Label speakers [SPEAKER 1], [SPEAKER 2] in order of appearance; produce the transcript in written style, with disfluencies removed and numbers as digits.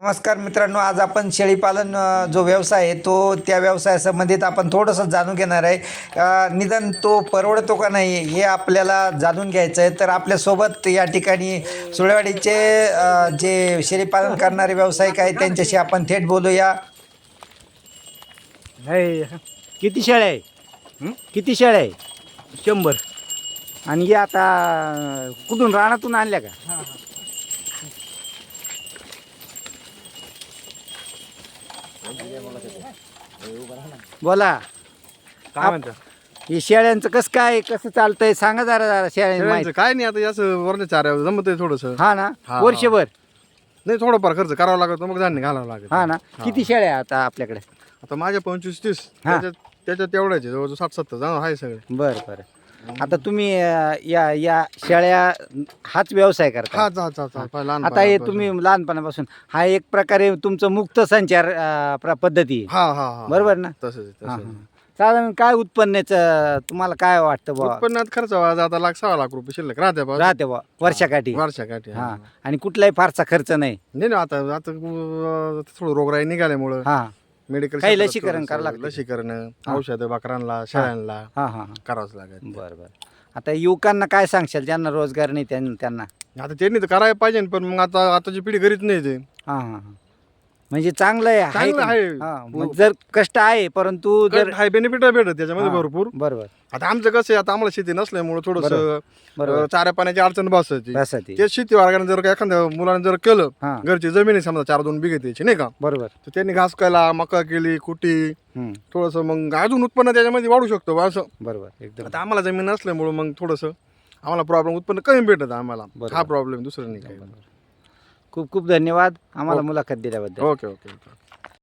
[SPEAKER 1] नमस्कार मित्रांनो, आज आपण शेळीपालन जो व्यवसाय आहे तो त्या व्यवसायासंबंधित आपण थोडंसं जाणून घेणार आहे. निदान तो परवडतो का नाही हे आपल्याला जाणून घ्यायचं आहे. तर आपल्यासोबत या ठिकाणी सुळेवाडीचे जे शेळीपालन करणारे व्यावसायिक आहेत त्यांच्याशी आपण थेट बोलूया.
[SPEAKER 2] नाही किती शेळ्या आहे? किती शेळ्या आहे? 100. आणि हे आता कुठून रानातून आणल्या का? बोला
[SPEAKER 3] काय म्हणता?
[SPEAKER 2] हे शेळ्यांचं कसं काय कसं चालतंय सांगा जरा शेळ्यांचं माहिती.
[SPEAKER 3] काय नाही आता याचं वरच्या चाऱ्या जमत आहे थोडस.
[SPEAKER 2] हा ना,
[SPEAKER 3] हा.
[SPEAKER 2] वर्षभर.
[SPEAKER 3] नाही थोडंफार खर्च करावा लागतो, मग धान्य घालावं लागेल.
[SPEAKER 2] हा ना, किती शेळ्या आहे आता आपल्याकडे?
[SPEAKER 3] आता माझ्या 25-30
[SPEAKER 2] हा.
[SPEAKER 3] त्याच्यात तेवढ्याचे जवळजवळ 60-70 जाणं आहे सगळे.
[SPEAKER 2] बरं बरं. आता तुम्ही या शेळ्या हाच व्यवसाय करता?
[SPEAKER 3] हा जा लहान
[SPEAKER 2] आता हे तुम्ही लहानपणापासून हा एक प्रकारे तुमचं मुक्त संचार पद्धती आहे.
[SPEAKER 3] हा
[SPEAKER 2] बरोबर ना?
[SPEAKER 3] तसंच
[SPEAKER 2] हा, हा. साधारण काय उत्पन्नाचं तुम्हाला काय वाटतं बा?
[SPEAKER 3] उत्पन्नात खर्च व्हायचा आता 1,00,000-1,600,000 रुपये शिल्लक राहते बा.
[SPEAKER 2] राहते बा वर्षाकाठी?
[SPEAKER 3] वर्षाकाठी.
[SPEAKER 2] हा. आणि कुठलाही फारसा खर्च नाही?
[SPEAKER 3] नाही ना, आता आता थोडं रोगराई निघाल्यामुळं
[SPEAKER 2] हा
[SPEAKER 3] मेडिकल
[SPEAKER 2] काही लसीकरण करावं लागतं.
[SPEAKER 3] लसीकरण, औषधं बकरांना, शेळ्यांना
[SPEAKER 2] हा हा.
[SPEAKER 3] करावंच लागेल.
[SPEAKER 2] बरं बरं. आता युवकांना काय सांगशाल ज्यांना रोजगार नाही त्यांना?
[SPEAKER 3] आता त्यांनी तर करायला पाहिजे, पण मग आताची पिढी घरीच नाही ते.
[SPEAKER 2] हा हा हा. म्हणजे चांगलं आहे
[SPEAKER 3] चांगलं
[SPEAKER 2] का?
[SPEAKER 3] आहे.
[SPEAKER 2] हा, मग जर कष्ट आहे परंतु जर
[SPEAKER 3] हाय बेनिफिट भेटत त्याच्यामध्ये
[SPEAKER 2] हा.
[SPEAKER 3] भरपूर.
[SPEAKER 2] बरोबर
[SPEAKER 3] आता आमचं कसं आहे, आता आम्हाला शेती नसल्यामुळे थोडस
[SPEAKER 2] बरोबर.
[SPEAKER 3] चाऱ्या पाण्याची अडचण बसायची.
[SPEAKER 2] त्यासाठी
[SPEAKER 3] ते शेती वर्गाने जर एखाद्या मुलाने जर केलं,
[SPEAKER 2] हा
[SPEAKER 3] घरची जमीन आहे समजा 4-2 बिघे त्याची नाही का,
[SPEAKER 2] बरोबर.
[SPEAKER 3] तर त्यांनी घास केला, मका केली, कुटी,
[SPEAKER 2] हम्म.
[SPEAKER 3] थोडस मग अजून उत्पन्न त्याच्यामध्ये वाढू शकतो बा असं.
[SPEAKER 2] बरोबर एकदम.
[SPEAKER 3] आता आम्हाला जमीन नसल्यामुळे मग थोडस आम्हाला प्रॉब्लेम उत्पन्न कमी भेटत आम्हाला.
[SPEAKER 2] बरोबर.
[SPEAKER 3] हा प्रॉब्लेम दुसरं नाही काही.
[SPEAKER 2] खूप खूप धन्यवाद आम्हाला मुलाखत दिल्याबद्दल.
[SPEAKER 3] ओके.